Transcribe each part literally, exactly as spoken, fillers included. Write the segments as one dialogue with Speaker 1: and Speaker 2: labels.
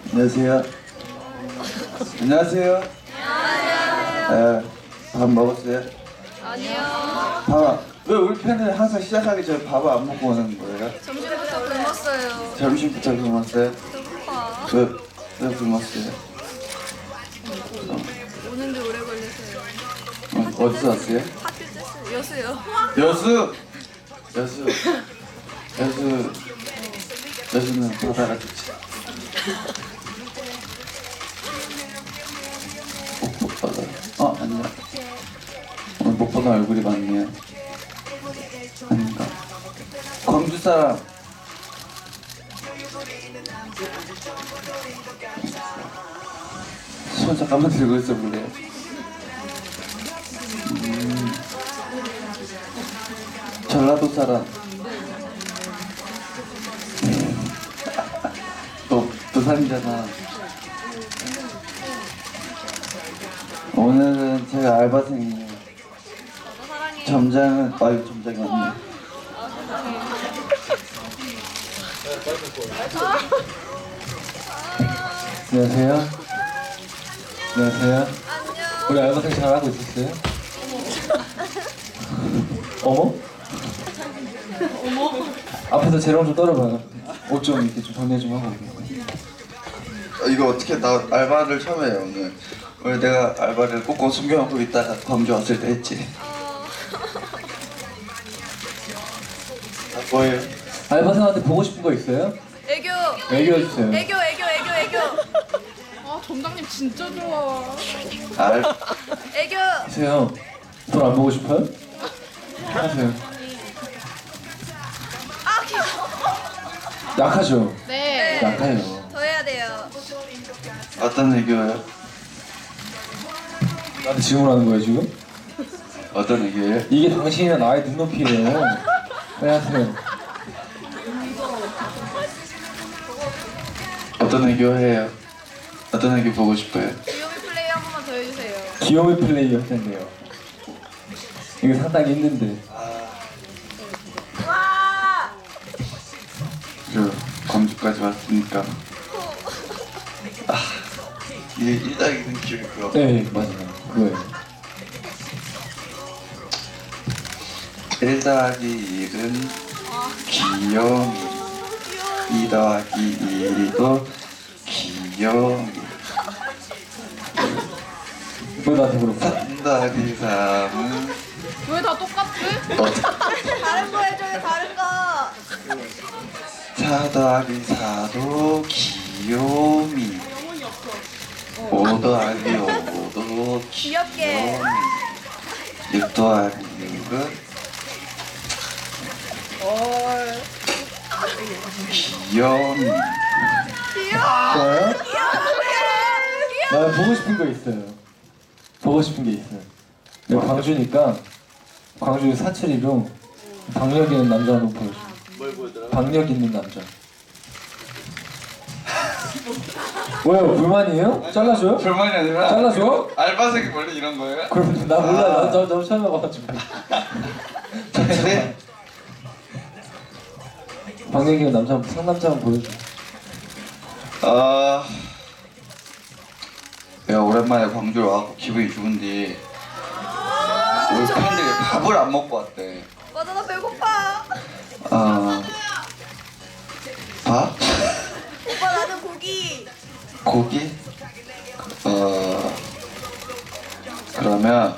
Speaker 1: 안녕하세요. 안녕하세요. 안녕하세요. 네, 밥 먹었어요?
Speaker 2: 아니요.
Speaker 1: 밥, 왜 우리 팬은 항상 시작하기 전에 밥을 안 먹고 오는 거예요?
Speaker 2: 점심부터 굶었어요.
Speaker 1: 점심부터 굶었어요?
Speaker 2: 배고파.
Speaker 1: 왜, 왜 굶었어요?
Speaker 2: 오는데 오래 걸려서요.
Speaker 1: 어, 어디서 왔어요?
Speaker 2: 학교 째스 여수요.
Speaker 1: 여수! 여수. 여수. 여수는 바다가 좋지. 목포바다. 어, 아니야. 오늘 못 보는 얼굴이 많네요. 아닌가? 광주 사람. 손 잠깐만 들고 있어 볼래요? 음, 전라도 사람. 너 부산이잖아. 오늘은 제가 알바생이에요.
Speaker 2: 저도 사랑해.
Speaker 1: 점장은 아유 점장이 맞네. 안녕하세요. 안녕하세요.
Speaker 2: 안녕.
Speaker 1: 우리 알바생 잘하고 있었어요? 어머? 어머? 앞에서 재롱 좀 떨어봐요. 옷 좀 이렇게 좀 정리 좀 하고. 어, 이거 어떻게 나 알바를 처음 해요 오늘. 오늘 내가 알바를 꽁꽁 숨겨놓고 있다가 광주 왔을 때 했지. 아 뭐예요?
Speaker 3: 알바생한테 보고 싶은 거 있어요?
Speaker 2: 애교.
Speaker 3: 얘기해 주세요.
Speaker 2: 애교 애교 애교 애교.
Speaker 4: 아 점장님 진짜 좋아.
Speaker 1: 알
Speaker 2: 애교.
Speaker 3: 하세요. 돈 안 보고 싶어요? 하세요.
Speaker 2: 아 귀여워.
Speaker 3: 약하죠?
Speaker 4: 네.
Speaker 3: 약해요.
Speaker 2: 더 해야 돼요.
Speaker 1: 어떤 애교예요?
Speaker 3: 나한테 질문하는 거예요 지금?
Speaker 1: 어떤 애교예요?
Speaker 3: 이게 당신이나 나의 눈높이에요. 네 하세요.
Speaker 1: 어떤 애교 해요? 어떤 애교 보고 싶어요?
Speaker 2: 귀요미 플레이 한 번만 더 해주세요.
Speaker 3: 귀여운 플레이 했는데요. 이거 상당히 힘든데.
Speaker 2: 와.
Speaker 1: 저 광주까지 왔으니까 아 이게 일당이는 기억이 그거.
Speaker 3: 네 맞아요. 그거예요.
Speaker 1: 일 더하기 일은 귀요미, 이 더하기 일도 귀요미,
Speaker 3: 왜 나한테 물어봐?
Speaker 1: 삼 더하기 삼은
Speaker 4: 왜 다 똑같지?
Speaker 2: 다른 거 해줘요 다른 거.
Speaker 1: 사 더하기 사도 귀요미, 오 더하기 오도
Speaker 2: 귀엽게.
Speaker 1: 귀요미, 육 더하기 육은
Speaker 2: 헐.
Speaker 1: 귀요미.
Speaker 2: 귀여워.
Speaker 3: 좋아요?
Speaker 2: 귀여워.
Speaker 3: 나 보고 싶은 거 있어요. 보고 싶은 게 있어요. 내가 광주니까 광주 사투리로 박력 있는 남자 한번 보여줘.
Speaker 1: 뭘 보여드려?
Speaker 3: 박력 있는 남자. 왜요? 불만이에요? 잘라줘요?
Speaker 1: 불만이 아니라
Speaker 3: 잘라줘?
Speaker 1: 알바생이 원래 이런 거예요?
Speaker 3: 그럼 나 몰라. 나 저, 저 처음 해봐가지고.
Speaker 1: 사투리?
Speaker 3: 박력 있는 남자 한번 상남자 한번 보여줘.
Speaker 1: 아, 내가 오랜만에 광주에 와서 기분이 좋은데 우리 팬들이 밥을 안 먹고 왔대.
Speaker 2: 맞아 나 배고파.
Speaker 1: 아, 밥?
Speaker 2: 오빠 나는 고기.
Speaker 1: 고기? 어, 그러면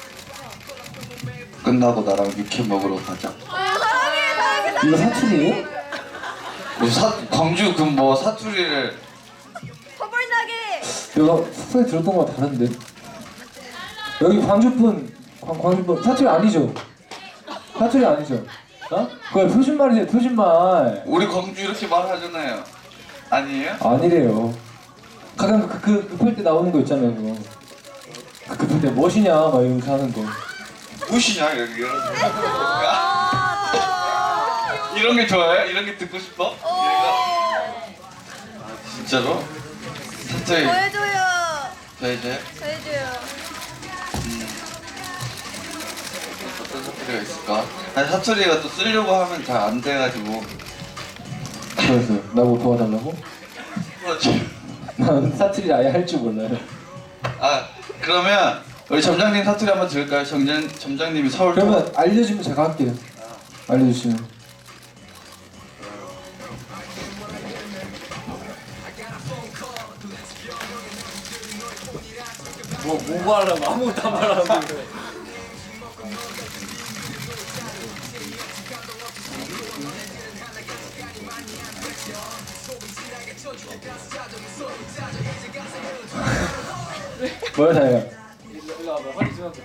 Speaker 1: 끝나고 나랑 육회 먹으러 가자.
Speaker 2: 아, 사랑해 사랑해.
Speaker 3: 이거 사투리예요?
Speaker 1: 뭐 사, 광주 그 뭐 사투리를
Speaker 2: 허벌나게.
Speaker 3: 내가 소리 들었던 거랑 다른데. 여기 광주분, 광, 광주분 사투리 아니죠? 사투리 아니죠? 어? 그거 표준말이세요, 표준말.
Speaker 1: 우리 광주 이렇게 말하잖아요. 아니에요?
Speaker 3: 아니래요. 가끔 그, 그 급할 때 나오는 거 있잖아요, 그거. 그 급할 때 멋이냐 막 이러면서 하는 거.
Speaker 1: 무엇이냐 여기 이런
Speaker 2: 아, 저.
Speaker 1: 이런 게 좋아요? 이런 게 듣고 싶어? 얘가? 아 진짜로? 사투리
Speaker 2: 더 해줘요.
Speaker 1: 저 이제
Speaker 2: 더 해줘요.
Speaker 1: 음, 어떤 사투리가 있을까? 아니 사투리가 또 쓰려고 하면 잘 안 돼가지고
Speaker 3: 그래서 나보고 도와달라고?
Speaker 1: 그렇지.
Speaker 3: 난 사투리 아예 할 줄 몰라요.
Speaker 1: 아 그러면 우리 점장님 사투리 한번 들을까요? 점장 점장님이 서울
Speaker 3: 그러면 알려주면 제가 할게요. 알려주시면.
Speaker 5: 뭐, 뭐 말하라고 아무것도 안 말하라고 그래.
Speaker 3: 뭐야 다혜야?
Speaker 5: 일로 와봐, 허리 좀.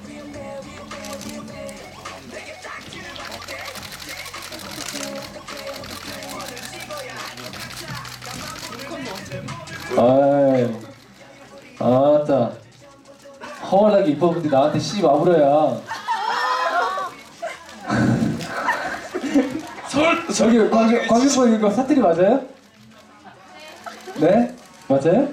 Speaker 3: 아이, 아따, 허월하게 이뻐본데 나한테 씨 마부려야.
Speaker 1: 서울
Speaker 3: 저기 광주 광주분 이거 사투리 맞아요? 네? 맞아요?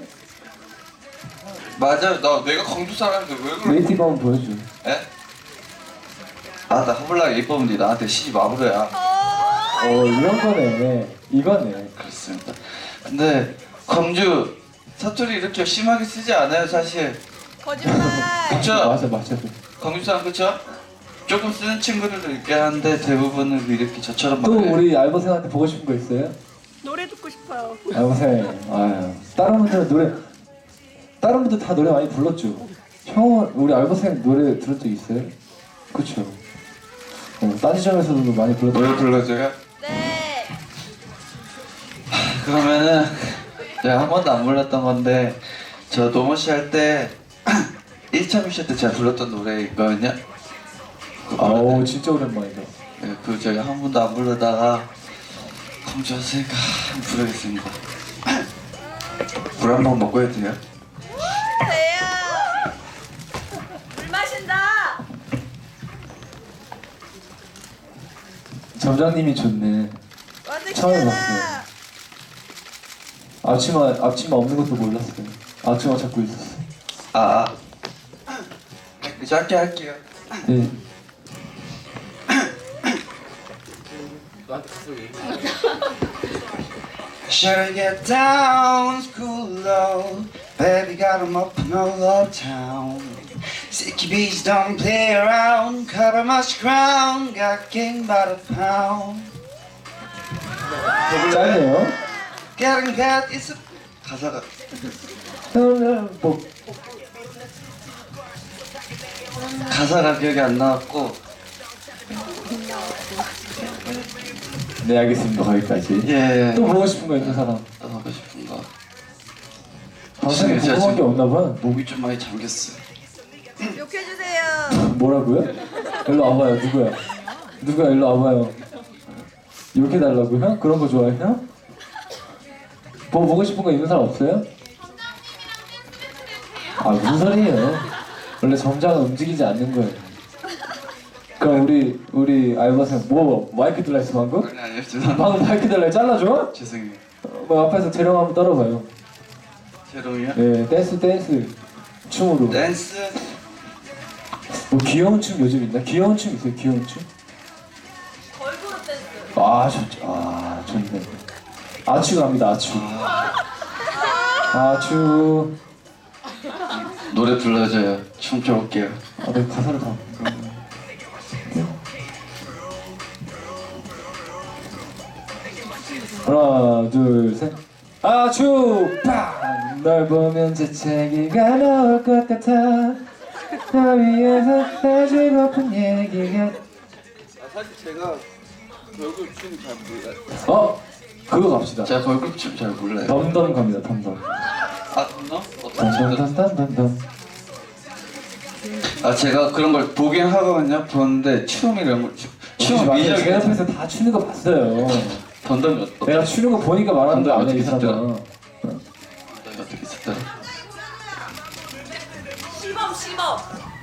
Speaker 1: 맞아. 나 내가 광주 사람인데 왜 그래?
Speaker 3: 웨이팅 한번 보여줘.
Speaker 1: 에? 아나 허블나게 이뻐본데 나한테 시집 와보래야.
Speaker 3: 어 이런 거네. 이거네.
Speaker 1: 그렇습니다. 근데 광주 사투리 이렇게 심하게 쓰지 않아요 사실.
Speaker 2: 거짓말.
Speaker 1: 그쵸?
Speaker 3: 맞아 맞아.
Speaker 1: 광주 사람 그쵸? 조금 쓰는 친구들도 있긴 한데 대부분은 이렇게 저처럼
Speaker 3: 또
Speaker 1: 말해요.
Speaker 3: 우리 알바생한테 보고 싶은 거 있어요?
Speaker 2: 노래 듣고 싶어요.
Speaker 3: 알바생. 아유 다른 분들은 노래 다른 분들 다 노래 많이 불렀죠. 형은 우리 알바생 노래 들은 적 있어요? 그쵸? 어, 딴 지점에서도 많이 불렀죠.
Speaker 1: 노래 불러줘요?
Speaker 2: 네.
Speaker 1: 그러면은 제가 한 번도 안 불렀던 건데 저 노모씨 할 때 일 차 미션 때 제가 불렀던 노래 있거든요. 그거
Speaker 3: 아오
Speaker 1: 불러요.
Speaker 3: 진짜 오랜만이다.
Speaker 1: 네, 그 제가 한 번도 안 부르다가 광주 왔으니까 한번 부르겠습니다. 물 한 번 먹고 해도 돼요?
Speaker 2: 대야. 물 마신다.
Speaker 3: 점장님이 좋네. 처음
Speaker 2: 와드키잖아.
Speaker 3: 봤어요. 앞치마 앞치마 없는 것도 몰랐어요. 앞치마 찾고 있었어.
Speaker 1: 아, 아. 짧게 할게요.
Speaker 3: 네.
Speaker 5: 너한테 가서 얘기.
Speaker 1: Should get down, school low. Baby got 'em up in all over town. Sicky bees don't play around. Cover much ground. Got king by the pound.
Speaker 3: 짧네요.
Speaker 1: Getting that is a 가사가
Speaker 3: 뭐
Speaker 1: 가사가 기억이 안 나왔고.
Speaker 3: 네 알겠습니다. 거기까지.
Speaker 1: 예.
Speaker 3: 또 보고 싶은 거 있는 사람?
Speaker 1: 또 하고 싶은 거.
Speaker 3: 방송에
Speaker 1: 제가
Speaker 3: 궁금한 게
Speaker 1: 지금
Speaker 3: 없나 봐.
Speaker 1: 목이 좀 많이 잠겼어요.
Speaker 2: 욕해주세요.
Speaker 3: 뭐라고요? 일로 와봐요. 누구야? 누구야? 일로 와봐요. 이렇게 달라고요? 그런 거 좋아해요? 뭐 보고 싶은 거 있는 사람 없어요? 아 무슨 소리예요? 원래 점장은 움직이지 않는 거예요. 그럼 우리 우리 알바생 뭐 마이크 들라했어 방금?
Speaker 1: 아니 아니요 죄송합니다.
Speaker 3: 방금 마이크 들라 잘라줘?
Speaker 1: 죄송해요.
Speaker 3: 어, 뭐 앞에서 재령 한번 떨어봐요.
Speaker 1: 제롱이요?
Speaker 3: 네 댄스 댄스 춤으로.
Speaker 1: 댄스.
Speaker 3: 뭐 귀여운 춤 요즘 있나? 귀여운 춤 있어요? 귀여운 춤?
Speaker 2: 걸그룹 댄스.
Speaker 3: 아 좋죠. 아 좋네. 아추 갑니다. 아추. 아추.
Speaker 1: 노래 불러줘요. 춤춰볼게요.
Speaker 3: 아, 내 가사를 다. 하나, 둘, 셋. 아추! 빵! 널 보면 재채기가 나올 것 같아. 널 위해서 해주고픈 얘기가.
Speaker 1: 아, 사실 제가 얼굴 춤잘 몰라요.
Speaker 3: 어? 그거 갑시다.
Speaker 1: 제가 걸그룹 춤 잘 몰라요.
Speaker 3: 덤덤 갑니다. 덤덤.
Speaker 1: 아, 너? 어떤 춤?
Speaker 3: 덤덤덤덤덤.
Speaker 1: 아, 제가 그런 걸 보긴 하거든요. 보는데 춤 이런 걸 춤, 춤
Speaker 3: 제
Speaker 1: 미적이
Speaker 3: 옆에서 다 추는 거 봤어요.
Speaker 1: 던던이 어떠?
Speaker 3: 내가 추는 거 보니까 말하는 거 아니야 이 사람아.
Speaker 1: 던던이 어떻게 있었더라?
Speaker 2: 시범 시범.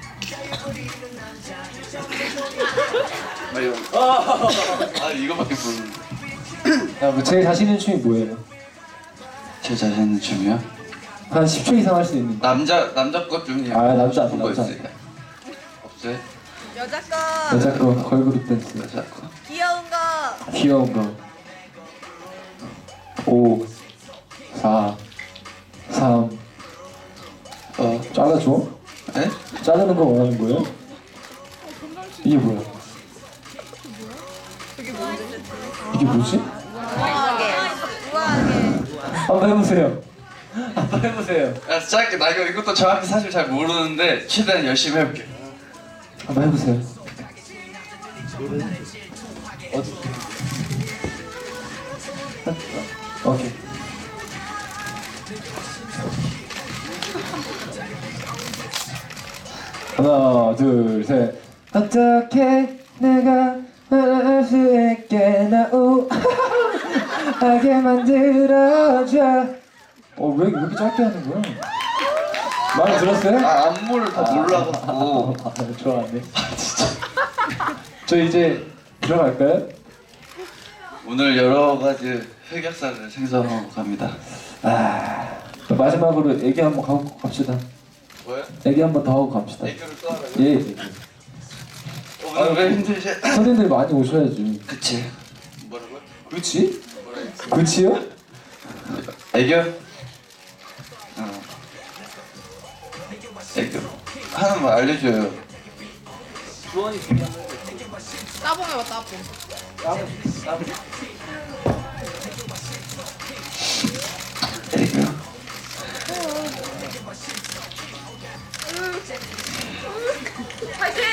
Speaker 1: 아, 이거. 아, 이거밖에 모르는데.
Speaker 3: 야, 뭐 제일 자신 있는 춤이 뭐예요?
Speaker 1: 제 자신 있는 춤이요?
Speaker 3: 한 십 초 이상 할 수 있는 거.
Speaker 1: 남자 남자 것 중에
Speaker 3: 아, 남자,
Speaker 1: 싶은 거
Speaker 3: 남자.
Speaker 1: 있어요? 없어요?
Speaker 2: 여자 거.
Speaker 3: 여자 거 걸그룹 댄스.
Speaker 1: 여자 거.
Speaker 2: 귀여운 거.
Speaker 3: 귀여운 거. 오, 사, 자르는 거 원하는 거예요? 이게 뭐야? 이게 뭐지?
Speaker 2: 우아하게. 우아하게.
Speaker 3: 한번 해보세요. 한번 해보세요.
Speaker 1: 야, 짧게 나 이거 이것도 정확히 사실 잘 모르는데 최대한 열심히 해볼게.
Speaker 3: 한번 해보세요. 어디? 오케이. 하나, 둘, 셋. 어떻게 내가 말할 수 있게 나 우아하게 만들어줘. 어, 왜 이렇게 짧게 하는 거야? 많이 들었어요?
Speaker 1: 아 안무를 다 몰라갖고.
Speaker 3: 아, 좋아하네. 저 이제 들어갈까요?
Speaker 1: 오늘 여러 가지 흑역사를 생성하고 갑니다.
Speaker 3: 아, 마지막으로 얘기 한번 하고 갑시다.
Speaker 1: 뭐야?
Speaker 3: 얘기 한번 더 하고 갑시다.
Speaker 1: 애교를 또 하라고?
Speaker 3: 예, 예.
Speaker 1: 오늘 왜 힘들지?
Speaker 3: 선생님들 많이 오셔야지.
Speaker 1: 그치. 뭐라고요?
Speaker 3: 그치? 그치요?
Speaker 1: 애교? 어. 애교. 하는 거 알려줘요.
Speaker 5: 주원이 준비한 거.
Speaker 4: 따봉 해봐 따봉.
Speaker 1: 애교.
Speaker 2: 파이팅!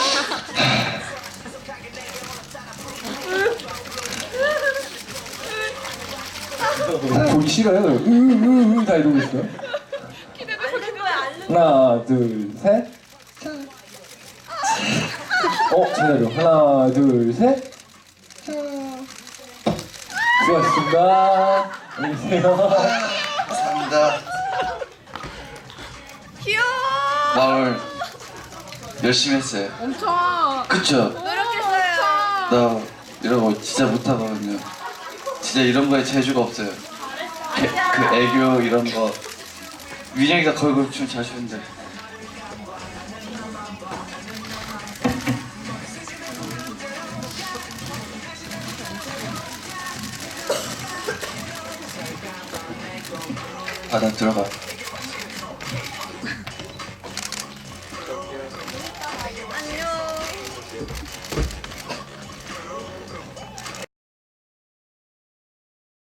Speaker 3: 보기 싫어요. 으으으 다 이러고 있어요.
Speaker 2: 알는 거야, 알는
Speaker 3: 하나, 둘, 셋. 어, 제대로. 하나, 둘, 셋. 수고하셨습니다. 안녕히 계세요.
Speaker 1: 감사합니다.
Speaker 2: 귀여워!
Speaker 1: 마을 열심히 했어요.
Speaker 4: 엄청
Speaker 1: 그쵸?
Speaker 2: 노력했어요.
Speaker 1: 나 이런 거 진짜 못하거든요. 진짜 이런 거에 재주가 없어요. 그, 그 애교 이런 거. 민영이가 걸그룹 춤 잘 추는데. 아, 나 들어가.